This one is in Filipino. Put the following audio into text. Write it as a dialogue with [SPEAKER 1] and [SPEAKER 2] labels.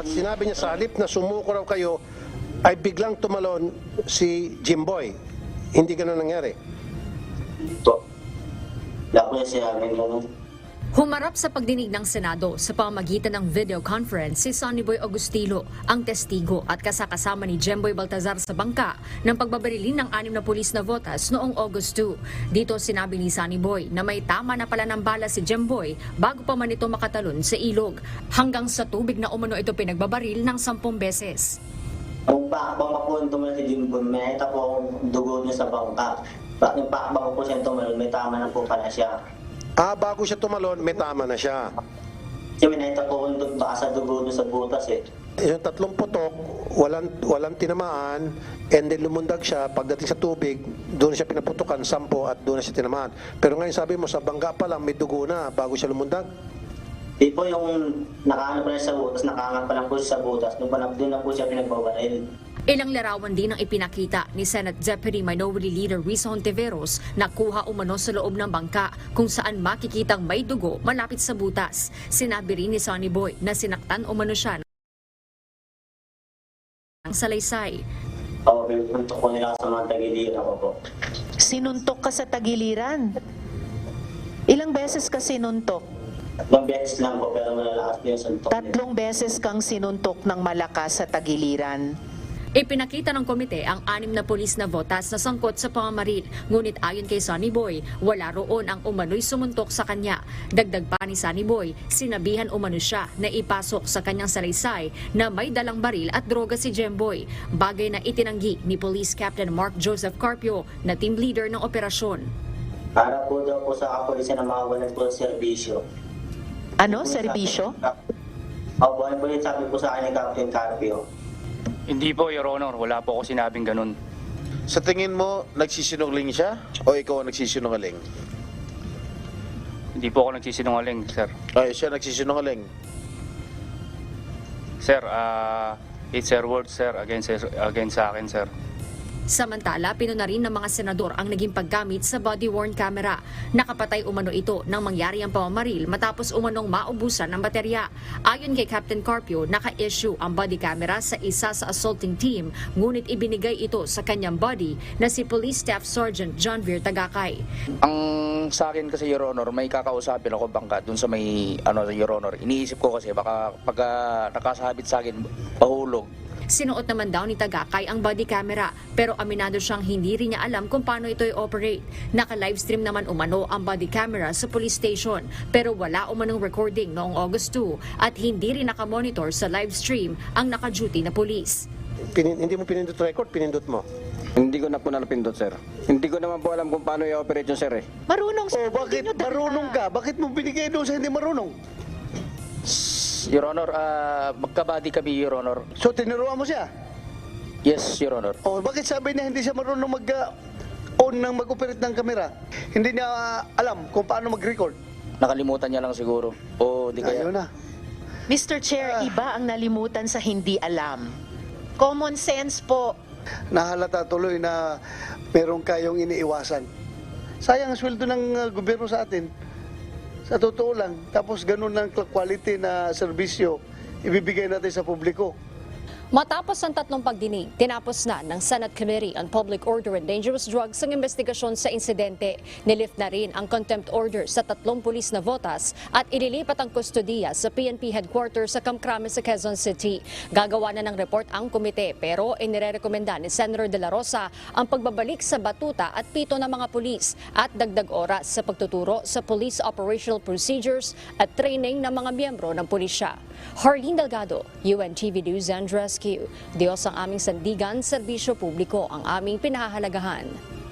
[SPEAKER 1] At sinabi niya sa halip na sumuko raw kayo, ay biglang tumalon si Jimboy. Hindi ganun nangyari.
[SPEAKER 2] Ito. Wala ko niya sinabi ganun.
[SPEAKER 3] Humarap sa pagdinig ng Senado sa pamamagitan ng video conference si Sonny Boy Agustilo, ang testigo at kasakasama ni Jemboy Baltazar sa bangka ng pagbabarilin ng 6 na pulis na votas noong August 2. Dito sinabi ni Sonny Boy na may tama na pala ng bala si Jemboy bago pa man ito makatalon sa ilog. Hanggang sa tubig na umano ito pinagbabaril ng 10 beses.
[SPEAKER 2] Ang pakbang po yung tumalon si Jimboy, may nakita po akong dugo niya sa bangka. Yung pakbang po siya tumalon, may tama na po pala siya.
[SPEAKER 1] Bago siya tumalon, may tama na siya.
[SPEAKER 2] Kasi may nakita po akong baka sa dugo niya sa butas eh.
[SPEAKER 1] Yung 3 putok, walang tinamaan, and then lumundag siya, pagdating sa tubig, doon siya pinaputukan, 10 at doon na siya tinamaan. Pero ngayon sabi mo, sa bangka pa lang, may dugo na bago siya lumundag?
[SPEAKER 2] Di po yung nakaano pa siya sa butas, nakaangat pa lang po siya sa butas, doon na po siya pinagbabaril.
[SPEAKER 3] Ilang larawan din ang ipinakita ni Senate Deputy Minority Leader Risa Hontiveros na kuha umano sa loob ng bangka kung saan makikitang may dugo malapit sa butas. Sinabi rin ni Sonny Boy na sinaktan umano siya ng salaysay.
[SPEAKER 2] Oo, pinuntok ko nila sa mga tagiliran ko po.
[SPEAKER 4] Sinuntok ka sa tagiliran. Ilang beses ka sinuntok?
[SPEAKER 2] 3 beses lang po, pero malalakas po yung suntok nila.
[SPEAKER 4] 3 beses kang sinuntok ng malakas sa tagiliran.
[SPEAKER 3] Ipinakita ng komite ang 6 na pulis na votas na sangkot sa pamamaril. Ngunit ayon kay Sonny Boy, wala roon ang umano'y sumuntok sa kanya. Dagdag pa ni Sonny Boy, sinabihan umano siya na ipasok sa kanyang salaysay na may dalang baril at droga si Jemboy. Bagay na itinanggi ni Police Captain Mark Joseph Carpio na team leader ng operasyon.
[SPEAKER 2] Para po daw po sa kapulisan na makawalan po sa serbisyo.
[SPEAKER 4] Ano? Serbisyo?
[SPEAKER 2] Opo, ano po yung sabi po sa akin ni Captain Carpio.
[SPEAKER 5] Hindi po, Your Honor. Wala po ako sinabing ganun.
[SPEAKER 6] Sa tingin mo, nagsisinungaling siya o ikaw ang nagsisinungaling?
[SPEAKER 5] Hindi po ako nagsisinungaling, sir.
[SPEAKER 6] Ay, siya nagsisinungaling.
[SPEAKER 5] Sir, it's her word, sir, against sa akin, sir.
[SPEAKER 3] Samantala, pinuna rin ng mga senador ang naging paggamit sa body-worn camera. Nakapatay umano ito nang mangyari ang pamamaril matapos umanong maubusan ng baterya. Ayon kay Captain Carpio, naka-issue ang body camera sa isa sa assaulting team, ngunit ibinigay ito sa kanyang body na si Police Staff Sergeant John Vir Tagakay.
[SPEAKER 7] Ang sa akin kasi, Your Honor, may kakausapin ako bangka dun sa may, Your Honor. Iniisip ko kasi baka pag nakasabit sa akin, pahulog.
[SPEAKER 3] Sinuot naman daw ni Tagakay ang body camera pero aminado siyang hindi rin niya alam kung paano ito i-operate. Naka-livestream naman umano ang body camera sa police station pero wala umanong recording noong August 2 at hindi rin nakamonitor sa livestream ang naka-duty na police.
[SPEAKER 1] Hindi mo pinindot record, pinindot mo.
[SPEAKER 7] Hindi ko na po napindot, sir. Hindi ko naman po alam kung paano i-operate yun, sir, eh.
[SPEAKER 4] Marunong sa
[SPEAKER 1] Bakit marunong ka? Bakit mo binigay doon sa hindi marunong?
[SPEAKER 7] Your Honor, magkabady kami, Your Honor.
[SPEAKER 1] So, tinuruan mo siya?
[SPEAKER 7] Yes, Your Honor.
[SPEAKER 1] Bakit sabi niya hindi siya marunong mag-on ng mag-operate ng kamera? Hindi niya alam kung paano mag-record?
[SPEAKER 7] Nakalimutan niya lang siguro. O di kaya.
[SPEAKER 1] Ayun na.
[SPEAKER 4] Mr. Chair, iba ang nalimutan sa hindi alam. Common sense po.
[SPEAKER 1] Nahalata tuloy na meron kayong iniiwasan. Sayang ang sweldo ng gobyerno sa atin. Sa totoo lang. Tapos ganun ng quality na serbisyo ibibigay natin sa publiko.
[SPEAKER 3] Matapos ang 3 pagdinig, tinapos na ng Senate Committee on Public Order and Dangerous Drugs ang investigasyon sa insidente. Nilift na rin ang contempt order sa 3 pulis na votas at ililipat ang kustodiya sa PNP headquarters sa Kamkrame sa Quezon City. Gagawa na ng report ang komite pero inirekomenda ni Senator De La Rosa ang pagbabalik sa batuta at pito ng mga pulis at dagdag oras sa pagtuturo sa police operational procedures at training ng mga miyembro ng pulisya. Harleen Delgado, UNTV News and Rescue. Diyos ang aming sandigan, serbisyo publiko ang aming pinahahalagahan.